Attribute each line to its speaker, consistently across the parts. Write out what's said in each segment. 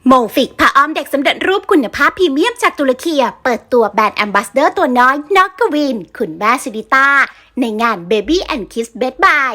Speaker 1: โมฟิกผ้าอ้อมเด็กสำเร็จรูปคุณภาพพรีเมียมจากตุรกีเปิดตัวแบรนด์แอมบาสเดอร์ตัวน้อยนอกกวินคุณแม่ซิริต้าในงาน Baby and Kids Best Buy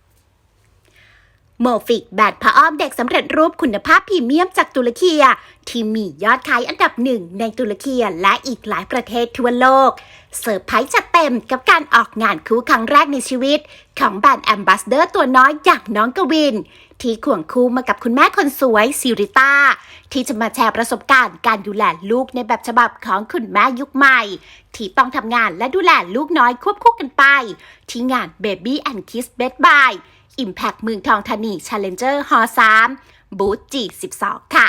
Speaker 1: โมฟิกแบรนด์ผ้าอ้อมเด็กสำเร็จรูปคุณภาพพรีเมียมจากตุรกีที่มียอดขายอันดับหนึ่งในตุรกีและอีกหลายประเทศทั่วโลกเซอร์ไพรส์จัดเต็มกับการออกงานคู่ครั้งแรกในชีวิตของแบรนด์แอมบาสเดอร์ตัวน้อยอย่างน้องกวินที่ควงคู่มากับคุณแม่คนสวยซิริต้าที่จะมาแชร์ประสบการณ์การดูแลลูกในแบบฉบับของคุณแม่ยุคใหม่ที่ต้องทำงานและดูแลลูกน้อยควบคู่กันไปที่งาน Baby and Kids Best Buy Impact เมืองทองธานี Challenger Hall 3 บูธ G12 ค่ะ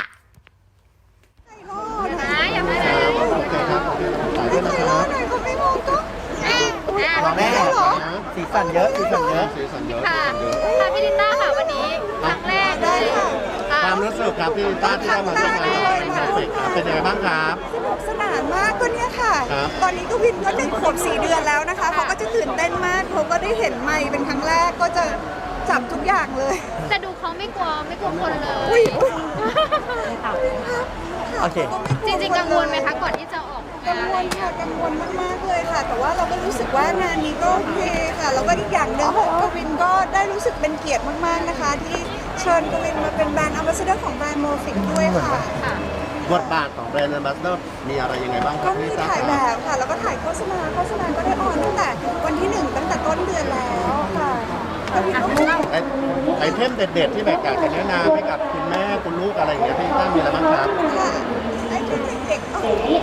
Speaker 2: แม่สีสันเยอะ
Speaker 3: ค่ะพี่ลิต้าค่ะวันนี้ครั้งแรกเลย
Speaker 4: ความรู้สึกครับพี่ลิต้าที่ได้มาร่วมงานเป็นเพอร์เฟกต์ครับเป็นยังไงบ้างครับ
Speaker 5: สนุกสนานมากก็เนี่ยค่ะตอนนี้ก็วินก็1 ขวบ 4 เดือนแล้วนะคะเขาก็จะตื่นเต้นมากเขาก็ได้เห็นไมค์เป็นครั้งแรกก็จะจับทุกอย่างเลย
Speaker 3: แต่ดูเขาไม่กลัวคนเลย
Speaker 2: โอเค
Speaker 3: จริงๆกังวลไหมคะก่อนที่จะออก
Speaker 5: กังวลค่ะกังวลมากๆเลยค่ะแต่ว่าเราก็รู้สึกว่างานนี้ก็โอเคค่ะแล้วก็อีกอย่างหนึ่งกวินก็ได้รู้สึกเป็นเกียรติมากๆนะคะที่เชิญกวินมาเป็นแบรนด์แอมบาสเดอร์ของแบรนด์โมฟิกด้วยค่ะ
Speaker 4: บทบาทของแบรนด์แอมบาสเดอร์มีอะไรยังไงบ้าง
Speaker 5: ก็มีถ่ายแบบค่ะแล้วก็ถ่ายโฆษณาก็ได้ออนตั้งแต่วันที่1ตั้งแต่ต้นเดือนแล้วค่ะ
Speaker 4: ไอเทมเด็ดๆที่แบบอยากจะแนะนำให้กับคุณแม่คุณลูกอะไรอย่างเงี้ยพี่ต้ามีอะไรบ้างครับ
Speaker 5: ไอเทมเด็กๆ
Speaker 3: โอเค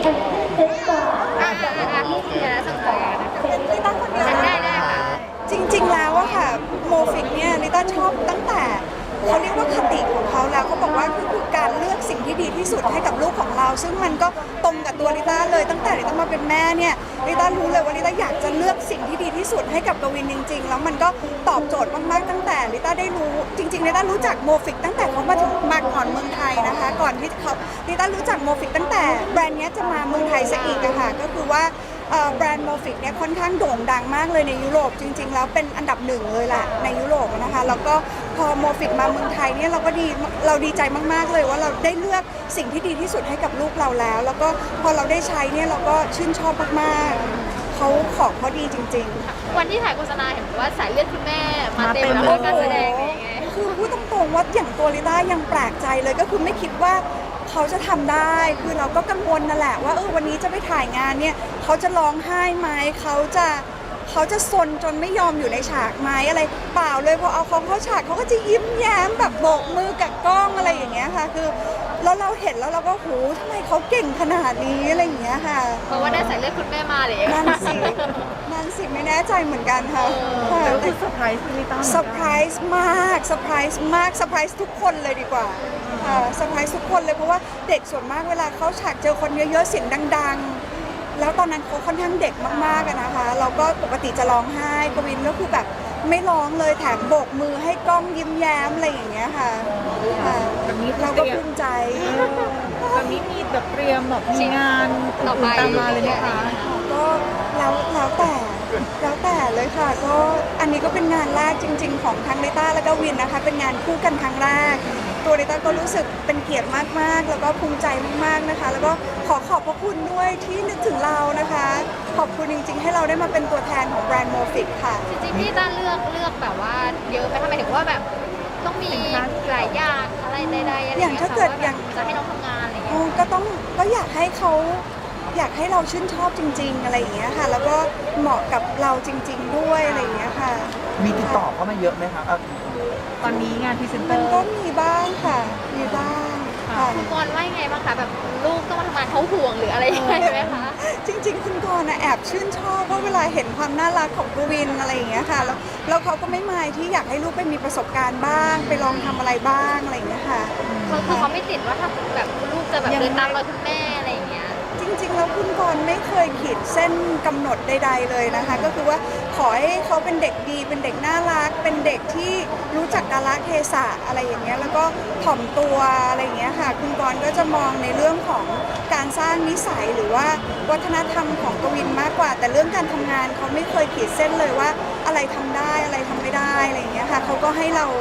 Speaker 5: ลิต้าคนเดียวได้ค่ะจริงๆแล้วอะค่ะโมฟิกเนี่ยลิต้าชอบตั้งแต่เขาเรียกว่าคติของเขาแล้วเขาบอกว่าคือการเลือกสิ่งที่ดีที่สุดให้กับลูกของเราซึ่งมันก็ตรงกับตัวลิต้าเลยตั้งแต่ลิต้ามาเป็นแม่เนี่ยลิต้ารู้เลยว่าลิต้าอยากจะเลือกสิ่งที่ดีที่สุดให้กับกวินจริงๆแล้วมันก็ตอบโจทย์มากๆตั้งแต่ลิต้าได้รู้จริงๆลิต้ารู้จักโมฟิกตั้งแต่เขามาก่อนเมืองไทยนะคะก่อนที่เขาลิต้ารู้จักโมฟิกตั้งแต่แบรนด์นี้จะมาเมืองไทยซะอีกอะค่ะก็คือว่าแบรนด์โมฟิกเนี่ยค่อนข้างโด่งดังมากเลยในยุโรปจริงๆแล้วเป็นอันดับ1เลยแหละในยุโรปนะคะแล้วก็พอโมฟิกมาเมืองไทยเนี่ยเราดีใจมากๆเลยว่าเราได้เลือกสิ่งที่ดีที่สุดให้กับลูกเราแล้วก็พอเราได้ใช้เนี่ยเราก็ชื่นชอบมากๆของเขาดีจริง
Speaker 3: ๆวันที่ถ่ายโฆษณาเห็นว่าสายเลือดคุณแม่มาเต็มแล้วการแสดงยังไง
Speaker 5: คือพูดตรงๆว่าอย่างตัวลิต้ายังแปลกใจเลยก็คือไม่คิดว่าเขาจะทำได้คือเราก็กังวลนั่นแหละว่าวันนี้จะไปถ่ายงานเนี่ยเขาจะร้องไห้ไหมเขาจะซนจนไม่ยอมอยู่ในฉากไหมอะไรเปล่าเลยพอเอาเขาเข้าฉากเขาก็จะยิ้มแย้มแบบโบกมือกับกล้องอะไรอย่างเงี้ยค่ะคือแล้วเราเห็นแล้วเราก็โหทำไมเขาเก่งขนาดนี้อะไรอย่างเงี้ยค่ะ
Speaker 3: เพราะว่าได้สายเลือดคุณแม่มาเลย
Speaker 5: นั่นสิไม่แน่ใจเหมือนกันค่ะ
Speaker 2: แต่เซอร์ไพรส์ลิต้า
Speaker 5: เซอร์ไพรส์มากเซอร์ไพรส์ทุกคนเลยดีกว่าเซอร์ไพรส์ทุกคนเลยเพราะว่าเด็กส่วนมากเวลาเขาฉากเจอคนเยอะๆเสียงดังๆแล้วตอนนั้นเขาค่อนข้างเด็กมากๆนะคะเราก็ปกติจะร้องไห้กวินก็คือแบบไม่ร้องเลยแถมโบกมือให้กล้องยิ้มแย้มอะไรอย่างเงี้ยค่ะเราก็ภูมิใจ
Speaker 2: แบบนี้มีแบบเตรียมแบบมีงานต่อไปตามมาเลยไหมคะ
Speaker 5: ก็แล้วแต่เลยค่ะก็อันนี้ก็เป็นงานแรกจริงๆของทั้งลิต้าและก็วินนะคะเป็นงานคู่กันครั้งแรกตัวลิต้าก็รู้สึกเป็นเกียรติมากๆแล้วก็ภูมิใจมากๆนะคะแล้วก็ขอบพระคุณด้วยที่นึกถึงเรานะคะขอบคุณจริงๆให้เราได้มาเป็นตัวแทนของแบรนด์โมฟิกค่ะ
Speaker 3: จริงๆพี่ต้าเลือกแบบว่าเยอะไหมทำไมถึงว่าแบบต้องมีหลายอย่างอะไรใดๆ
Speaker 5: อย่างถ้าเกิดอย่าง
Speaker 3: จะให้น้องทำงานอะไรอย่างเงี้ย
Speaker 5: ก็อยากให้เราชื่นชอบจริงๆอะไรอย่างเงี้ยค่ะแล้วก็เหมาะกับเราจริงๆด้วยอะไรอย่างเงี้ยค่ะ
Speaker 2: มีติดต่อเข้ามาเยอะไหมคะตอนนี้งานพรีเซนเตอร์
Speaker 5: มันก็มีบ้างค่ะมีบ้างค่ะ
Speaker 3: คุณกรณ์ว่าไงบ้างคะแบบลูกต้องมาทำงานเขาห่วงหรืออะไรยังไงไหมคะ
Speaker 5: จริงๆคุณกรณ์แอบชื่นชอบว่าเวลาเห็นความน่ารักของกวินอะไรอย่างเงี้ยค่ะแล้วเขาก็ไม่มายที่อยากให้ลูกไปมีประสบการณ์บ้างไปลองทำอะไรบ้างอะไรอย่างเงี้ยค่ะ
Speaker 3: เขาไม่ติดว่าถ้าแบบลูกจะแบบเดินตามรอยคุณแม่อะไรอย่างเงี้ย
Speaker 5: จริงๆแล้วคุณกรณ์ไม่เคยขีดเส้นกำหนดใดๆเลยนะคะก็คือว่าขอให้เขาเป็นเด็กดีเป็นเด็กน่ารักเป็นเด็กที่รู้จักกาลเทศะอะไรอย่างเงี้ยแล้วก็ถ่อมตัวอะไรอย่างเงี้ยค่ะคุณกรณ์ก็จะมองในเรื่องของการสร้างนิสัยหรือว่าวัฒนธรรมของกวินมากกว่าแต่เรื่องการทำงานเขาไม่เคยขีดเส้นเลยว่าอะไรทำได้อะไรทำไม่ได้อะไรอย่างเงี้ยค่ะเขาก็ให้เรา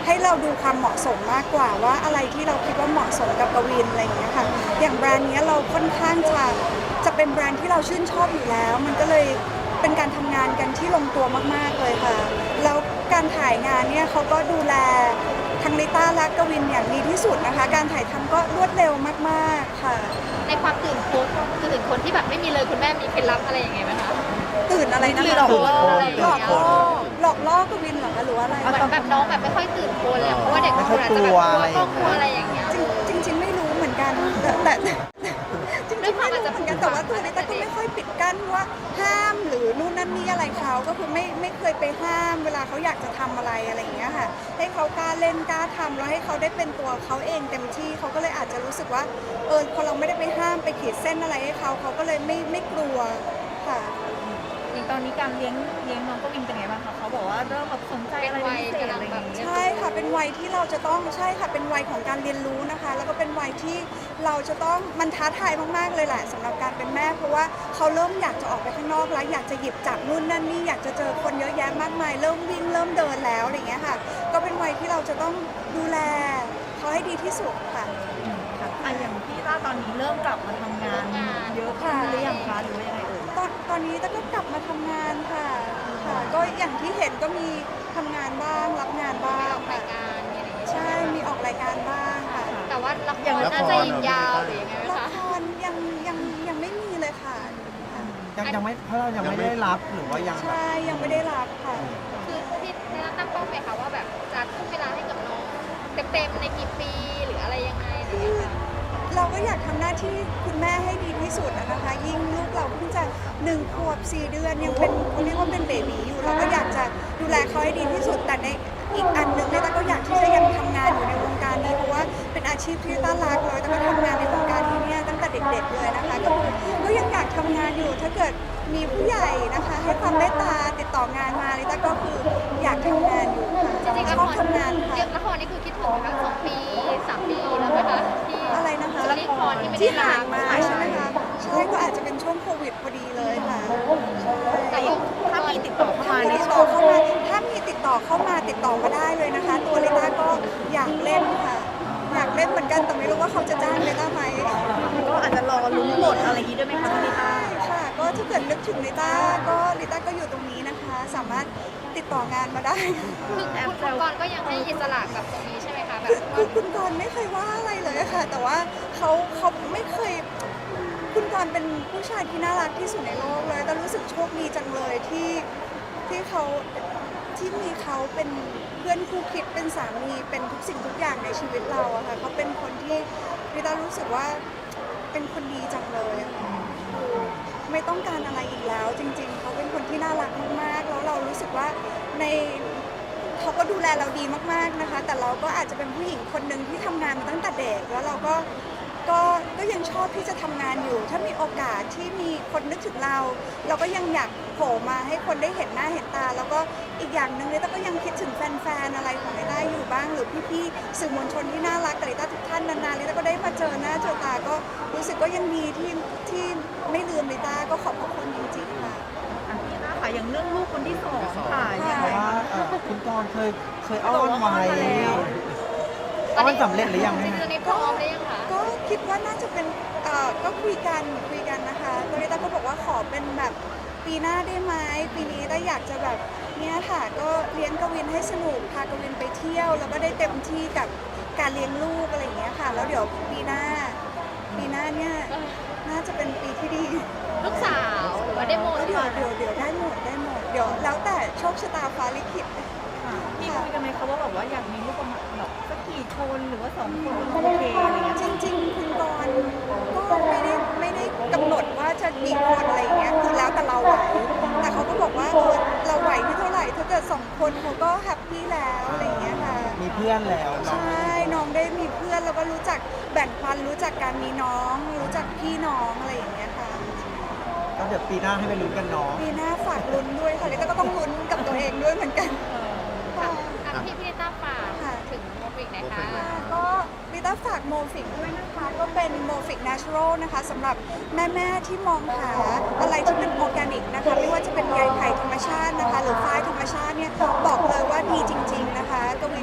Speaker 5: ให้เราดูความเหมาะสมมากกว่าว่าอะไรที่เราคิดว่าเหมาะสมกับกวินอะไรอย่างเงี้ยค่ะอย่างแบรนด์นี้เราค่อนข้างจะเป็นแบรนด์ที่เราชื่นชอบอยู่แล้วมันก็เลยเป็นการทำงานกันที่ลงตัวมากๆเลยค่ะแล้วการถ่ายงานเนี่ยเขาก็ดูแลทั้งลิต้าและกวินอย่างดีที่สุดนะคะการถ่ายทำก็รวดเร็วมากๆค่ะ
Speaker 3: ในความตื่นคนที่แบบไม่มีเลยคุณแม่มีเคล็ดลับอะไรยังไงไหมคะ
Speaker 5: ตื่นอะไรนะ
Speaker 3: ตื่น
Speaker 5: คะ
Speaker 3: โคนอะไรอย่าง
Speaker 5: หลอก
Speaker 3: เงี้ย
Speaker 5: ล่อหลอกล่อกวินเหรอคะหรือว่าอะไร
Speaker 3: เหมือนแบบน้องแบบไม่ค่อยตื่นโคนเลยอะเพราะว่าเด็กบางคนอาจจะแบบกลัวครอบครัวอะไรอย่างเงี้ย
Speaker 5: จริงๆไม่รู้เหมือนกันแต่จริงๆไม่รู้เหมือนกันแต่ว่าตัวลิต้าก็ไม่ค่อยปิดกั้นว่าห้ามหรือนู่นนั่นนี่อะไรเขาก็คือไม่เคยไปห้ามเวลาเขาอยากจะทำอะไรอะไรอย่างเงี้ยค่ะให้เขากล้าเล่นกล้าทำแล้วให้เขาได้เป็นตัวเขาเองเต็มที่เขาก็เลยอาจจะรู้สึกว่าพอเราไม่ได้ไปห้ามไปขีดเส้นอะไรให้เขาก็เลยไม่กลัวค่ะ
Speaker 2: อย่างตอนนี้การเลี้ยงน้องกวินเป็นไงบ้างคะเขาบอกว่าเริ่มแบบสนใจอะไรเป็นพิเศษอะไรอย่างเงี้ย
Speaker 5: ใช่ค่ะเป็นวัยที่เราจะต้องใช่ค่ะเป็นวัยของการเรียนรู้นะคะ แล้วก็เป็นวัยที่เราจะต้องมันท้าทายมากๆเลยแหละสำหรับการเป็นแม่เพราะว่าเขาเริ่มอยากจะออกไปข้างนอกแล้วอยากจะหยิบจับนู่นนั่นนี่อยากจะเจอคนเยอะแยะมากมายเริ่มวิ่งเริ่มเดินแล้วอะไรอย่างเงี้ยค่ะก็เป็นวัยที่เราจะต้องดูแลเขาให้ดีที่สุดค่ะ
Speaker 2: อย่างพี่ต้าตอนนี้เริ่มกลับมาทำงานเยอะขึ้นหรือยังคะหรือว่ายังไงเอ่ย
Speaker 5: ตอนนี้ต้าก็กลับมาทำงานค่ะก็อย่างที่เห็นก็มีทำงานบ้างรับงานบ้าง
Speaker 3: ออกรายการมีอะไรอย่างเงี้ย
Speaker 5: ใช่มีออกรายการบ้างค่ะ
Speaker 3: แต่ว่าละครน่าจะยิงยาวหรือยังไงไหม
Speaker 5: ละ
Speaker 3: คะ
Speaker 5: ครยังไม่มีเลยค่ะ
Speaker 6: ยังไม่เพราะเรายังไม่ได้รับหรือว่ายังแบบ
Speaker 5: ใช่ยังไม่ได้รับค่ะ
Speaker 3: คือพี่ได้ตั้งเป้าไหมคะว่าแบบจะทุ่มเวลาให้กับน้องเต็มๆในกี่ปีหรืออะไรยังไงอะไรอย่างเงี้ยค่ะ
Speaker 5: เราก็อยากทำหน้าที่คุณแม่ให้ดีที่สุดนะคะ ยิ่งลูกเราเพิ่งจะ1 ขวบ 4 เดือนยังเป็นเขาเรียกว่าเป็นเบบีอยู่เราก็อยากจะดูแลเขาให้ดีที่สุดแต่ในอีกอันหนึ่งเนี่ยต้าก็อยากที่จะยังทำงานอยู่ในวงการนี้เพราะว่าเป็นอาชีพที่ต้ารักเลยต้าก็ทำงานในวงการนี้เนี่ยตั้งแต่เด็กๆเลยนะคะก็ยังอยากทำงานอยู่ถ้าเกิดมีผู้ใหญ่นะคะให้ความเมตตาติดต่องานมาเลยต้าก็คืออยากทำงานอยู่ค่ะ
Speaker 3: จริงๆ
Speaker 5: ช
Speaker 3: ละ
Speaker 5: อบ
Speaker 3: คร
Speaker 5: ทำงานค่ะ
Speaker 3: เรียกละครนี่คือคิดถึงไหมคะ2 ปี 3 ปีแล้วไหมคะที่
Speaker 5: อะไรนะคะ
Speaker 3: ละครที่ไม่
Speaker 5: ที่
Speaker 3: ได้
Speaker 5: ห่า
Speaker 3: รั
Speaker 5: ง
Speaker 3: บ
Speaker 5: มาใช่ไหมคะใช่ก็อาจจะเป็นช่วงโควิดพอดีเลยค่ะใช่
Speaker 3: แต่ก็
Speaker 2: ถ้ามีติดต่อเข้า
Speaker 5: ถ้า
Speaker 2: มา
Speaker 5: มี
Speaker 2: นี่
Speaker 5: ติดต่อเข้ามาถ้ามีติดต่อเข้ามาติดต่อมาได้เลยนะคะ ตัวลิต้าก็อยากเล่นค่ะ อยากเล่นเหมือนกันแต่ไม่รู้ว่าเขาจะจ้างลิต้าไหม
Speaker 2: ก็อาจจะรอลุ้นบทอะไรอย่างนี้ด้วยไหมคะพี่ต้า
Speaker 5: ใช่ค่ะ ก็ถ้าเกิดนึกถึงลิต้าก็อยู่ตรงนี้นะคะ สามารถติดต่องานมาได้
Speaker 3: คือคุณกรณ์ก็ยังให้อิสระกับตรงนี้ใช่ไหมคะแบบ
Speaker 5: คือคุณกรณ์ไม่เคยว่าอะไรเลยค่ะ แต่ว่าเขาไม่เคย คุณกรณ์เป็นผู้ชายที่น่ารักที่สุดในโลกเลยแต่รู้สึกโชคดีจังเลยที่เขาที่มีเขาเป็นเพื่อนคู่คิดเป็นสามีเป็นทุกสิ่งทุกอย่างในชีวิตเราอะค่ะเขาเป็นคนที่ลิต้ารู้สึกว่าเป็นคนดีจังเลยอะค่ะไม่ต้องการอะไรอีกแล้ว จริง ๆเขาเป็นคนที่น่ารักมากๆแล้วเรารู้สึกว่าในเขาก็ดูแลเราดีมากๆนะคะ แต่เราก็อาจจะเป็นผู้หญิงคนหนึ่งที่ทำงานมาตั้งแต่เด็กแล้วเราก็ยังชอบที่จะทำงานอยู่ ถ้ามีโอกาสที่มีคนนึกถึงเราก็ยังอยากโผล่มาให้คนได้เห็นหน้าเห็นตา แล้วก็อีกอย่างหนึ่งลิต้าก็ยังคิดถึงแฟนๆอะไรของลิต้าอยู่บ้างหรือพี่ๆสื่อมวลชนที่น่ารักกับลิต้าทุกท่านนานๆลิต้าก็ได้มาเจอหน้าเจอตาก็รู้สึกก็ยังดีที่ไม่ลืมลิต้าก็ขอบพระคุณจริงๆค่ะ
Speaker 2: พี่ต้าค่ะอย่างเรื่องลูกคนที่2ค่ะยัง
Speaker 6: เพ
Speaker 2: ไง
Speaker 6: ราะว่าคุณกรณ์เคยอ้อนไว้
Speaker 3: ตอน
Speaker 6: อ้อ
Speaker 3: นี้
Speaker 6: นสำเร็จหรือยัง
Speaker 3: จ
Speaker 6: แม่
Speaker 3: ริงๆตอนนี้พร้อมหรือยังคะ
Speaker 5: ก็คิดว่าน่าจะเป็นก็คุยกันนะคะตอนนี้ต้าก็บอกว่าขอเป็นแบบปีหน้าได้ไหมปีนี้ต้าอยากจะแบบเนี่ยค่ะก็เลี้ยงกวินให้สนุกพากวินไปเที่ยวแล้วก็ได้เต็มที่กับการเลี้ยงลูกอะไรอย่างเงี้ยค่ะ แล้วเดี๋ยวปีหน้าเนี่ยน่าจะเป็นปีที่ดี
Speaker 3: ลูกสาวหรือว่าได้โม
Speaker 5: เดี๋ยวได้หมดเดี๋ยวแล้วแต่โชคชะตาฟ้าลิขิต
Speaker 2: พี่คุยกันไหมคะว่าแบบว่าอยากมีลูกประมาณแบบสักกี่คนหรือว่า2 คนโอเคอะไรเงี้ย
Speaker 5: จริงๆคุณกรณ์ก็ไม่ได้กำหนดว่าจะกี่คนอะไรอย่างเงี้ยคือแล้วแต่เราไหวแต่เขาก็บอกว่าเราไหวที่เท่าไหร่ถ้าเกิด2 คนเขาก็แฮปปี้แล้วอะไรอย่างเงี้ยค่ะ
Speaker 6: มีเพื่อนแล้ว
Speaker 5: ใช่น้องได้มีเพื่อนแล้วก็รู้จักแบ่งปันรู้จักการมีน้อง รู้จักพี่น้องอะไรอย่างเงี้ยค่ะ
Speaker 6: ก็เดี๋ยวปีหน้าให้ไปลุ้นกันเนาะ
Speaker 5: ปีหน้าฝากลุ้นด้วยค่ะลิต้าก็ต้องลุ้นกับตัวเองด้วยเหมือนกันค่ะ
Speaker 3: พี่ลิต้าฝาก
Speaker 5: ค่ะ
Speaker 3: ถึงโมฟิกไหนคะ
Speaker 5: ก็ลิต้าฝากโมฟิกด้วยนะคะก็เป็นโมฟิก Natural นะคะสำหรับแม่ๆที่มองหาอะไรที่เป็นออร์แกนิกนะคะไม่ว่าจะเป็นใยไผ่ธรรมชาตินะคะหรือฝ้ายธรรมชาติเนี่ยบอกเลยว่าดีจริงๆนะคะกวินใช้แล้ว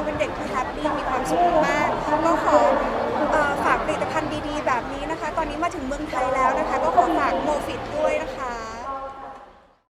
Speaker 5: เป็นเด็กที่แฮปปี้มีความสุขมากก็ขอฝากผลิตภัณฑ์ดีๆแบบนี้นะคะตอนนี้มาถึงเมืองไทยแล้วนะคะก็ขอฝากโมฟิตด้วยนะคะ